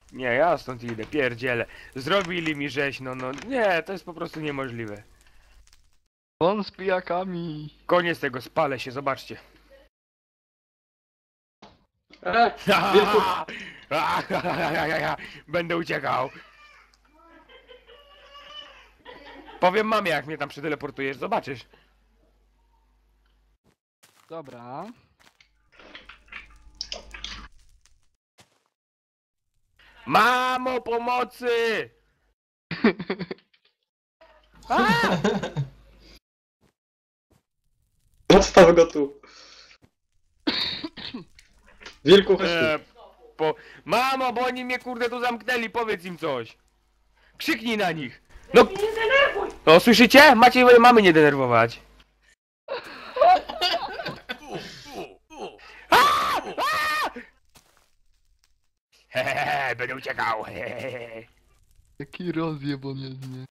Nie, ja stąd idę, pierdzielę. Zrobili mi rzeź, no, nie, to jest po prostu niemożliwe. On z pijakami. Koniec tego, spalę się, zobaczcie. Wilku, Będę uciekał. Powiem mamie, jak mnie tam przeteleportujesz, zobaczysz. Dobra. Mamo, pomocy! odstaw go tu. Wilku, chodź tu. Mamo, bo oni mnie kurde tu zamknęli, powiedz im coś. Krzyknij na nich. No, nie denerwuj! No, słyszycie? Macie moje mamy nie denerwować. Hehehe, będę uciekał. Hehehe. Jaki rozjeb on jest, nie?